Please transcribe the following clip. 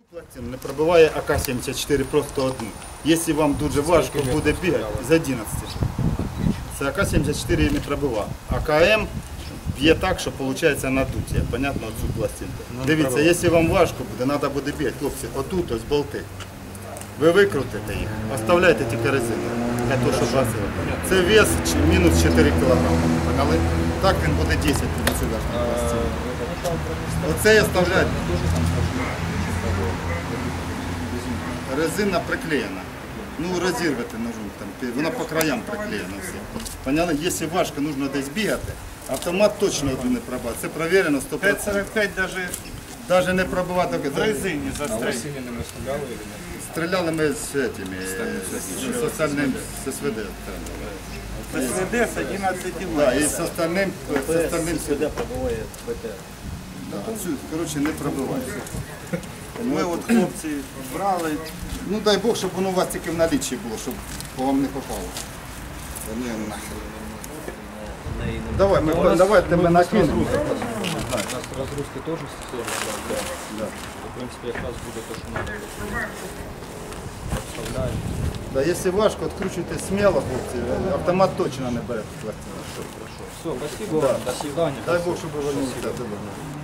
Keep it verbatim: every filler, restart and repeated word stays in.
Пластин не пробиває А К сімдесят чотири просто одну. Якщо вам дуже важко буде бігати, з одинадцяти. Це А К сімдесят чотири не пробиває. А К М б'є так, що виходить надуття. Понятно, оцю пластинку. Дивіться, якщо вам важко буде, треба буде бігати. Хлопці, отут ось болти. Ви викрутите їх, оставляйте тільки резину. Для того, щоб вас... Це вес мінус чотири кілограми. Так він буде десять від сюди. Оце оставляйте. Резина приклеєна. Ну, розірвати ножом, там, вона по краям приклеєна все. Поняли? Якщо важко, потрібно десь бігати, автомат точно один не пробиває. Це перевірено сто відсотків. п'ять сорок п'ять даже Навіть не пробивати. в резині застрелили. Стріляли ми з этими, з остальним, з С В Д. С В Д з одинадцяти Да, і з остальним, з остальним Сюди пробиває Б Т. да, цю, коротше, не пробиває. Ми от хлопці брали. Ну дай Бог, щоб воно у вас тільки в наліччі було, щоб по вам не попало. Та ні, нахер. Давай, ми, давай тебе накинемо. У нас разгрузки тоже да. Да. В принципе, как раз будет то, что надо. Вставляем. Да, якщо важко, відкручуйте сміло, хлопці, автомат точно не бере. Все, спасибо. Да. До свидания. Дай Бог, щоб ви не